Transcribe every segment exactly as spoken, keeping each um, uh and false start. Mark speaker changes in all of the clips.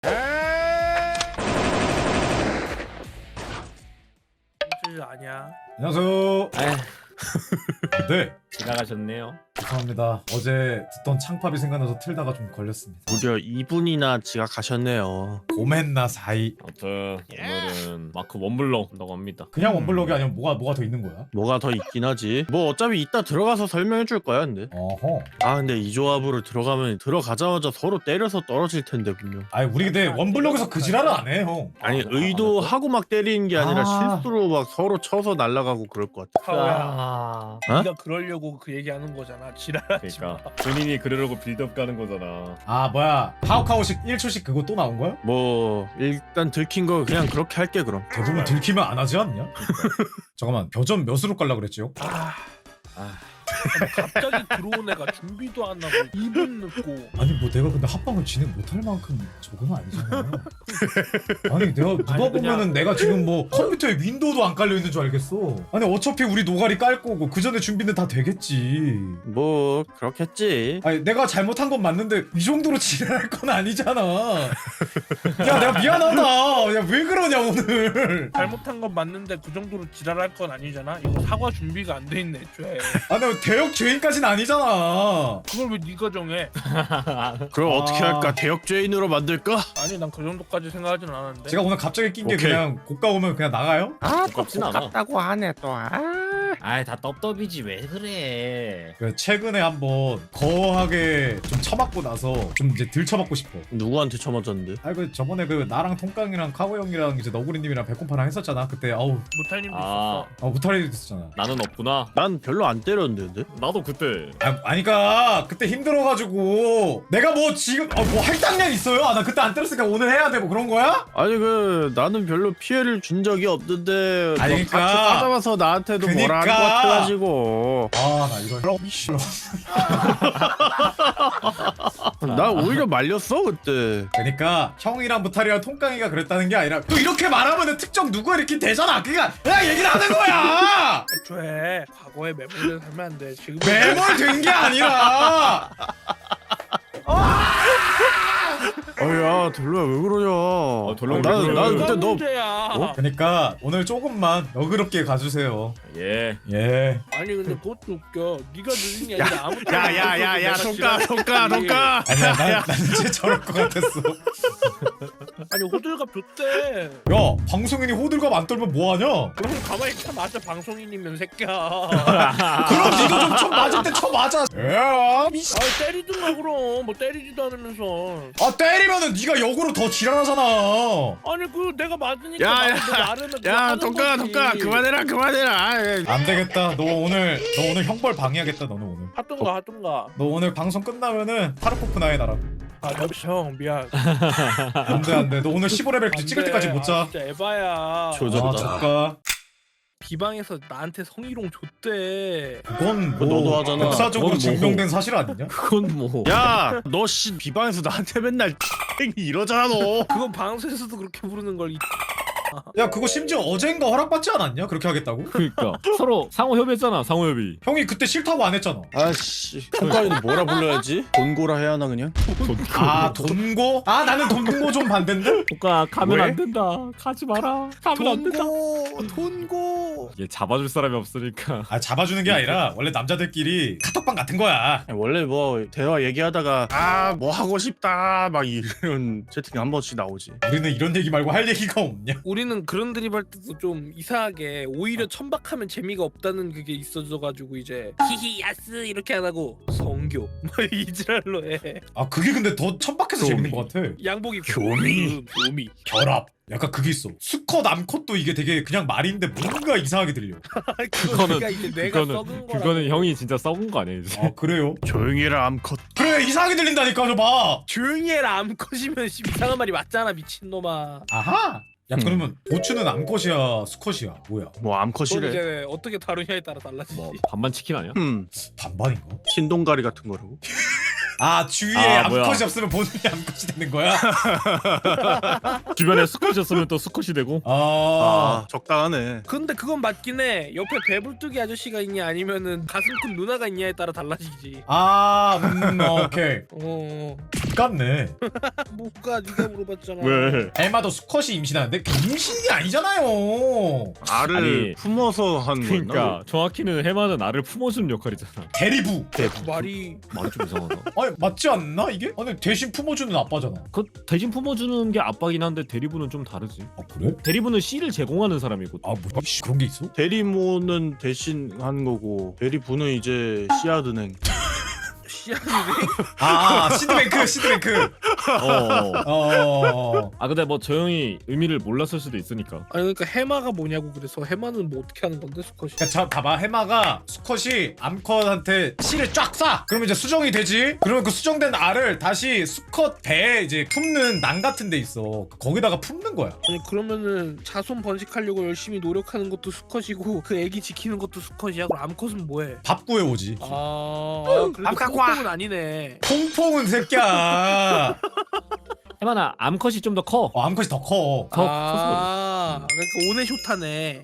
Speaker 1: 줄 아냐?
Speaker 2: 안녕하세요.
Speaker 3: 에휴,
Speaker 2: 네,
Speaker 3: 지나가셨네요.
Speaker 2: 죄송합니다. 어제 듣던 창팝이 생각나서 틀다가 좀 걸렸습니다.
Speaker 4: 무려 이 분이나 지각하셨네요.
Speaker 2: 고멘나 사이.
Speaker 3: 아무튼 오늘은 마크 원블럭 한다고 합니다.
Speaker 2: 그냥 원블럭이 아니면 뭐가 뭐가 더 있는 거야?
Speaker 4: 뭐가 더 있긴 하지. 뭐 어차피 이따 들어가서 설명해 줄 거야, 근데.
Speaker 2: 어허.
Speaker 4: 아, 근데 이 조합으로 들어가면 들어가자마자 서로 때려서 떨어질 텐데 분명.
Speaker 2: 아니 우리 근데 원블럭에서 그 지랄을 안 해, 형.
Speaker 4: 아니
Speaker 3: 아,
Speaker 4: 의도하고 막 때리는 게 아니라
Speaker 2: 아.
Speaker 4: 실수로 막 서로 쳐서 날아가고 그럴 것 같아.
Speaker 1: 카오야,
Speaker 3: 아,
Speaker 4: 어?
Speaker 1: 네가 그러려고 그 얘기하는 거잖아. 지랄하지 마.
Speaker 3: 그러니까 본인이 그러려고 빌드업 가는 거잖아.
Speaker 2: 아 뭐야? 하우카우식 일 초씩 그거 또 나온 거야?
Speaker 4: 뭐 일단 들킨 거 그냥 그렇게 할게 그럼.
Speaker 2: 대부분 들키면 안 하지 않냐? 잠깐만, 벼점 몇으로 깔라 그랬지요?
Speaker 1: 아,
Speaker 3: 아,
Speaker 1: 갑자기 들어온 애가 준비도 안 하고 이 분 늦고.
Speaker 2: 아니 뭐 내가 근데 합방을 진행 못할 만큼 저건 아니잖아. 아니 내가 누가
Speaker 1: 아니,
Speaker 2: 보면은
Speaker 1: 그냥-
Speaker 2: 내가 지금 뭐 컴퓨터에 윈도우도 안 깔려 있는 줄 알겠어. 아니 어차피 우리 노가리 깔 거고 그 전에 준비는 다 되겠지.
Speaker 4: 뭐 그렇겠지.
Speaker 2: 아니 내가 잘못한 건 맞는데 이 정도로 지랄할 건 아니잖아. 야 내가 미안하다. 야 왜 그러냐 오늘.
Speaker 1: 잘못한 건 맞는데 그 정도로 지랄할 건 아니잖아. 이거 사과 준비가 안 돼 있네, 애초에.
Speaker 2: 아 내가 대역 죄인까지는 아니잖아.
Speaker 1: 그걸 왜 네가 정해?
Speaker 4: 그럼
Speaker 2: 아.
Speaker 4: 어떻게 할까? 대역 죄인으로 만들까?
Speaker 1: 아니 난 그 정도까지 생각하지는 않았는데.
Speaker 2: 제가 오늘 갑자기 낀 게
Speaker 4: 오케이.
Speaker 2: 그냥 고가 오면 그냥 나가요?
Speaker 4: 아,
Speaker 3: 똑같진 않아.
Speaker 4: 똑같다고 하네 또. 아.
Speaker 3: 아이 다 떡떡이지 왜 그래?
Speaker 2: 그 최근에 한번 거하게 좀 처맞고 나서 좀 이제 들 처맞고 싶어.
Speaker 4: 누구한테 쳐맞았는데?
Speaker 2: 아이 그 저번에 그 나랑 통깡이랑 카고 형이랑 이제 너구리님이랑 백곰파랑 했었잖아. 그때 아우
Speaker 1: 무탈님도
Speaker 3: 아,
Speaker 1: 있었어.
Speaker 2: 아 무탈이 됐었잖아.
Speaker 3: 나는 없구나.
Speaker 4: 난 별로 안 때렸는데. 근데?
Speaker 3: 나도 그때
Speaker 2: 아 아니까 그때 힘들어가지고 내가 뭐 지금 아, 뭐 할당량 있어요? 아 나 그때 안 때렸으니까 오늘 해야 돼 뭐 그런 거야?
Speaker 4: 아니 그 나는 별로 피해를 준 적이 없는데
Speaker 2: 아니,
Speaker 4: 너
Speaker 2: 그러니까.
Speaker 4: 같이 싸잡아서 나한테도 뭐라 한 것
Speaker 2: 그러니까.
Speaker 4: 같아가지고
Speaker 2: 아 나 이거 미씨.
Speaker 4: 나 오히려 말렸어 그때.
Speaker 2: 그러니까 형이랑 무탈이랑 통깡이가 그랬다는 게 아니라 또 이렇게 말하면은 특정 누가 이렇게 되잖아. 그니까 그냥 얘기를 하는 거야.
Speaker 1: 애초에 과거에 매몰되어 살면 안 돼. 지금
Speaker 2: 매몰 된 게 아니라.
Speaker 4: 아야 돌로야 왜 그러냐.
Speaker 3: 어, 돌로야
Speaker 4: 난,
Speaker 3: 왜 그래?
Speaker 4: 난
Speaker 1: 누가
Speaker 4: 그때 너
Speaker 1: 문제야.
Speaker 4: 어?
Speaker 2: 그러니까 오늘 조금만 너그럽게 가주세요.
Speaker 3: 예.
Speaker 2: 예.
Speaker 1: 아니 근데 그것도 웃겨. 네가 늦은 게 아니라 아무 때나
Speaker 4: 야야야야
Speaker 1: 내가
Speaker 4: 돈가
Speaker 1: 지랄-
Speaker 4: 돈가 돈가.
Speaker 2: 아니야 난, 난 이제 저럴 것 같았어.
Speaker 1: 아니 호들갑 줬대.
Speaker 2: 야 방송인이 호들갑 안 떨면 뭐하냐?
Speaker 1: 그럼 가만히 있다 맞아. 방송인이면 새끼야.
Speaker 2: 그럼 니도 좀 쳐 맞을 때 쳐 맞아. 야 미씨.
Speaker 1: 아 때리든가 그럼 뭐 때리지도 않으면서.
Speaker 2: 아 때리면은 니가 역으로 더 지랄하잖아.
Speaker 1: 아니 그 내가 맞으니까
Speaker 4: 야,
Speaker 1: 맞는데 나르면 그거
Speaker 4: 야
Speaker 1: 하는
Speaker 4: 돈가
Speaker 1: 거지.
Speaker 4: 돈가 그만해라 그만해라. 아이,
Speaker 2: 안 되겠다. 너 오늘 너 오늘 형벌 방해하겠다. 너는 오늘.
Speaker 1: 하든가 하든가.
Speaker 2: 너 오늘 방송 끝나면은 하루코프 나해 나라.
Speaker 1: 아 형 미안.
Speaker 2: 안돼 안돼. 너 오늘 십오 레벨
Speaker 1: 안
Speaker 2: 찍을
Speaker 1: 돼.
Speaker 2: 때까지 못
Speaker 1: 아,
Speaker 2: 자.
Speaker 1: 진짜 에바야.
Speaker 4: 조졌다.
Speaker 2: 아 조카.
Speaker 1: 비방에서 나한테 성희롱 줬대.
Speaker 2: 그건
Speaker 4: 그거
Speaker 2: 뭐
Speaker 4: 너도 하잖아.
Speaker 2: 역사적으로
Speaker 4: 그건
Speaker 2: 증명된 사실 아니냐?
Speaker 3: 그건 뭐.
Speaker 4: 야, 너 씨 비방에서 나한테 맨날 이러잖아 너.
Speaker 1: 그건 방송에서도 그렇게 부르는 걸. 이-
Speaker 2: 야 그거 심지어 어젠가 허락받지 않았냐? 그렇게 하겠다고?
Speaker 3: 그러니까 서로 상호 협의했잖아. 상호 협의.
Speaker 2: 형이 그때 싫다고 안 했잖아.
Speaker 4: 아씨, 통과이는 뭐라 불러야지? 돈고라 해야 하나 그냥?
Speaker 2: 아 돈고? 아 나는 돈고 좀 반대인데?
Speaker 3: 오까 가면
Speaker 4: 왜?
Speaker 3: 안 된다. 가지 마라. 가면 안 된다.
Speaker 4: 돈고.
Speaker 3: 얘 잡아줄 사람이 없으니까.
Speaker 2: 아 잡아주는 게 아니라 원래 남자들끼리 카톡방 같은 거야.
Speaker 4: 원래 뭐 대화 얘기하다가 아 뭐 하고 싶다 막 이런 채팅 한 번씩 나오지.
Speaker 2: 우리는 이런 얘기 말고 할 얘기가 없냐?
Speaker 1: 우리는 그런 드립 할 때도 좀 이상하게 오히려 천박하면 재미가 없다는 그게 있어져가지고 이제 히히 야스 이렇게 안 하고 성교 뭐 이지랄로 해.
Speaker 2: 아 그게 근데 더 천박해서 재밌는 것 같아.
Speaker 1: 양복이
Speaker 4: 교미.
Speaker 1: 교미.
Speaker 2: 결합. 약간 그게 있어. 수컷 암컷도 이게 되게 그냥 말인데 뭔가 이상하게 들려.
Speaker 3: 그거는-
Speaker 1: 그러니까 이제 내가
Speaker 3: 그거는
Speaker 1: 썩은 거라.
Speaker 3: 그거는 형이 진짜 썩은 거 아니에요? 이제?
Speaker 2: 아 그래요?
Speaker 4: 조용히 해라 암컷.
Speaker 2: 그래 이상하게 들린다니까 저 봐.
Speaker 1: 조용히 해라 암컷이면 씨, 이상한 말이 맞잖아 미친놈아.
Speaker 2: 아하. 야
Speaker 4: 음.
Speaker 2: 그러면 보추는 암컷이야 수컷이야 뭐야?
Speaker 4: 뭐
Speaker 1: 그건
Speaker 4: 암컷이래.
Speaker 1: 이제 어떻게 다루냐에 따라 달라지지.
Speaker 3: 뭐 반반 치킨 아니야?
Speaker 4: 음
Speaker 2: 반반인가?
Speaker 4: 신동가리 같은 거라고.
Speaker 2: 아 주위에
Speaker 3: 아, 뭐야.
Speaker 2: 암컷이 없으면 본인이 암컷이 되는 거야?
Speaker 3: 주변에 수컷이었으면 또 수컷이 되고.
Speaker 2: 아,
Speaker 4: 아 적당하네.
Speaker 1: 근데 그건 맞긴 해. 옆에 배불뚝이 아저씨가 있냐 아니면은 가슴 큰 누나가 있냐에 따라 달라지지.
Speaker 2: 아, 음, 오케이.
Speaker 1: 어.
Speaker 2: 같네.
Speaker 1: 뭐가 네가 물어봤잖아.
Speaker 3: 왜?
Speaker 2: 에마도 수컷이 임신하는데 그 임신이 아니잖아요.
Speaker 4: 알을
Speaker 3: 아니,
Speaker 4: 품어서 하는 거였나?
Speaker 3: 그러니까 정확히는 해마는 알을 품어주는 역할이잖아.
Speaker 2: 대리부.
Speaker 1: 말이
Speaker 3: 말이 좀 이상하다.
Speaker 2: 아니 맞지 않나 이게? 아니 대신 품어주는 아빠잖아.
Speaker 3: 그 대신 품어주는 게 아빠긴 한데 대리부는 좀 다르지.
Speaker 2: 아 그래?
Speaker 3: 대리부는 씨를 제공하는 사람이고.
Speaker 2: 아 뭐? 씨, 그런 게 있어?
Speaker 4: 대리모는 대신 하는 거고 대리부는 이제 씨앗은행.
Speaker 1: 씨앗이네.
Speaker 2: 아 시드뱅크 시드뱅크.
Speaker 3: 어.
Speaker 2: 어.
Speaker 3: 아 근데 뭐 저 형이 의미를 몰랐을 수도 있으니까.
Speaker 1: 아니 그러니까 해마가 뭐냐고 그래서 해마는 뭐 어떻게 하는 건데 수컷이?
Speaker 2: 그러니까 자 봐봐 해마가 수컷이 암컷한테 씨를 쫙 쏴. 그러면 이제 수정이 되지. 그러면 그 수정된 알을 다시 수컷 배에 이제 품는 낭 같은 데 있어. 거기다가 품는 거야.
Speaker 1: 아니 그러면은 자손 번식하려고 열심히 노력하는 것도 수컷이고 그 애기 지키는 것도 수컷이야. 그럼 암컷은 뭐해?
Speaker 2: 밥 구해 오지.
Speaker 1: 아, 아 그래도 콩콩은 아니네.
Speaker 2: 퐁퐁은 새끼야.
Speaker 3: 해마나 암컷이 좀 더 커.
Speaker 2: 어, 암컷이 더 커.
Speaker 3: 더
Speaker 1: 아 그러니까 오네쇼타네.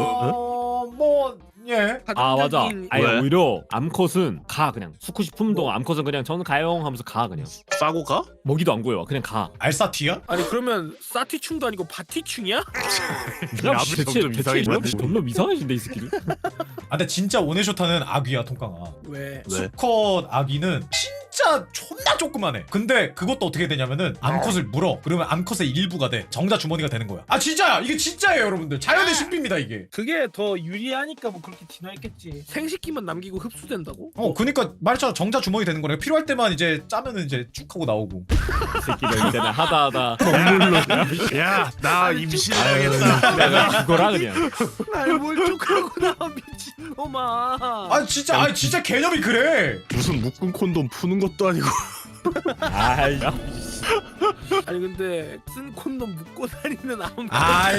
Speaker 2: 어, 뭐 예.
Speaker 3: 아 맞아.
Speaker 1: 가정적인-
Speaker 3: 아니
Speaker 4: 왜?
Speaker 3: 오히려 암컷은 가 그냥 수컷이 품은 동안 암컷은 그냥 저는 가용 하면서 가 그냥
Speaker 4: 싸고 가?
Speaker 3: 먹이도 안 구해와 그냥 가.
Speaker 2: 알사티야?
Speaker 1: 아니 그러면 사티충도 아니고 바티충이야?
Speaker 3: 그냥
Speaker 4: 앞이
Speaker 3: 대체
Speaker 4: 점점 이상해지네.
Speaker 3: 대체 너무 이상해진데 이 새끼들.
Speaker 2: 아 근데 진짜 오네쇼타는 아귀야 통깡아.
Speaker 1: 왜?
Speaker 4: 왜?
Speaker 2: 수컷 아기는 진짜 존나 조그만해. 근데 그것도 어떻게 되냐면은 암컷을 물어. 그러면 암컷의 일부가 돼. 정자 주머니가 되는 거야. 아 진짜야. 이게 진짜예요 여러분들. 자연의 신비입니다 이게.
Speaker 1: 그게 더 유리하니까 뭐 그렇게 진화했겠지. 생식기만 남기고 흡수된다고?
Speaker 2: 어 그니까 말했잖아. 정자 주머니 되는 거네. 필요할 때만 이제 짜면은 이제 쭉 하고 나오고.
Speaker 3: 이 새끼들 이제 나 하다 하다 먹물로
Speaker 4: 야 나 임신해야겠다.
Speaker 3: 내가 죽어라 그냥.
Speaker 1: 날뭘 쪽하고 나 미친놈아.
Speaker 2: 아 진짜 아 진짜 개념이 그래.
Speaker 4: 무슨 묶은 콘돔 푸는 것도 아니고.
Speaker 3: 아이 야.
Speaker 1: 아니 근데 쓴 콘돔 묶고 다니는 암.
Speaker 2: 아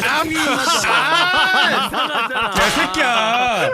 Speaker 1: 이상하잖아. 이상하잖아.
Speaker 2: 개새끼야.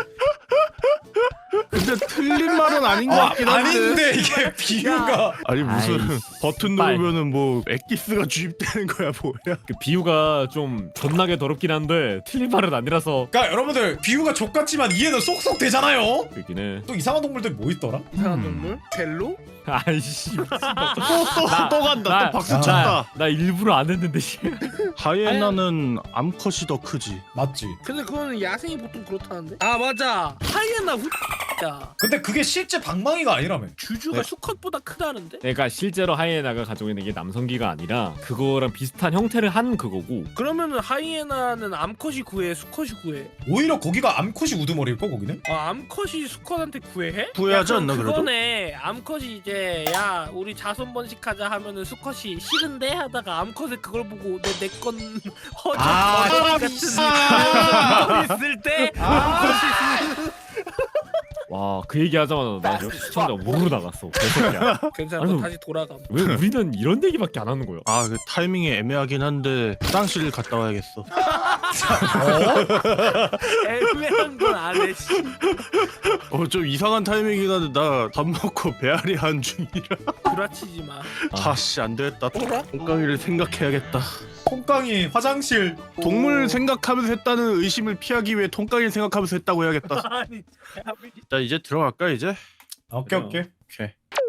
Speaker 4: 근데 틀린 말은 아닌 것
Speaker 2: 어,
Speaker 4: 같긴 한데.
Speaker 2: 아닌데 이게 비유가.
Speaker 4: 아니 무슨
Speaker 3: 아이,
Speaker 4: 버튼
Speaker 3: 빨.
Speaker 4: 누르면은 뭐 엑기스가 주입되는 거야 뭐야?
Speaker 3: 그 비유가 좀 존나게 더럽긴 한데 틀린 말은 아니라서
Speaker 2: 그러니까 여러분들 비유가 족같지만 이해는 쏙쏙 되잖아요.
Speaker 3: 그렇긴 해.
Speaker 2: 또 이상한 동물들 뭐 있더라?
Speaker 1: 이상한
Speaker 3: 음.
Speaker 1: 동물? 벨로?
Speaker 3: 아이씨 미친다.
Speaker 4: 또, 또 간다.
Speaker 3: 나-
Speaker 4: 또 박수
Speaker 2: 나-
Speaker 4: 쳤다.
Speaker 3: 나 일부러 안 했는데 씨.
Speaker 4: 하이에나는 암컷이 더 크지.
Speaker 2: 맞지.
Speaker 1: 근데 그거는 야생이 보통 그렇다는데? 아 맞아. 하이에나 후야.
Speaker 2: 근데 그게 실제 방망이가 아니라며.
Speaker 1: 주주가
Speaker 2: 네.
Speaker 1: 수컷보다 크다는데?
Speaker 3: 그러니까 실제로 하이에나가 가지고 있는 게 남성기가 아니라 그거랑 비슷한 형태를 한 그거고.
Speaker 1: 그러면은 하이에나는 암컷이 구해, 수컷이 구해.
Speaker 2: 오히려 거기가 암컷이 우두머리일 거 거기는?
Speaker 1: 아 암컷이 수컷한테 구애해?
Speaker 4: 구애하지
Speaker 1: 야,
Speaker 4: 않나,
Speaker 1: 그럼
Speaker 4: 그래도?
Speaker 1: 그거네. 암컷이 이제 야 우리 자손 번식하자 하면은 수컷이 싫은데 하다가 암컷에 그걸 보고 내 내 건 허접
Speaker 2: 아,
Speaker 1: 허접 같은
Speaker 2: 아.
Speaker 1: 그런 거 있을 때
Speaker 3: 와 그 얘기 하자마자 나 역시 시청자 우르르 나갔어. 개새끼야.
Speaker 1: 괜찮아.
Speaker 3: 아니,
Speaker 1: 너 다시 돌아감.
Speaker 3: 왜 우리는 이런 얘기밖에 안 하는 거야?
Speaker 4: 아 그 타이밍이 애매하긴 한데 화장실 갔다 와야겠어.
Speaker 1: 애매한 건 안 해. 씨.
Speaker 4: 어 좀 이상한 타이밍이긴 한데 나 밥 먹고 배앓이 한 중이라.
Speaker 1: 구라치지 마.
Speaker 4: 아씨 안 되겠다.
Speaker 1: 뭐라?
Speaker 4: 똥강이를 생각해야겠다.
Speaker 2: 콩깡이 화장실.
Speaker 4: 동물 생각하면서 했다는 의심을 피하기 위해 통깡이를 생각하면서 했다고 해야겠다.
Speaker 1: 아니.
Speaker 4: 자 이제 들어갈까 이제?
Speaker 2: 오케이 오케이.
Speaker 4: 오케이.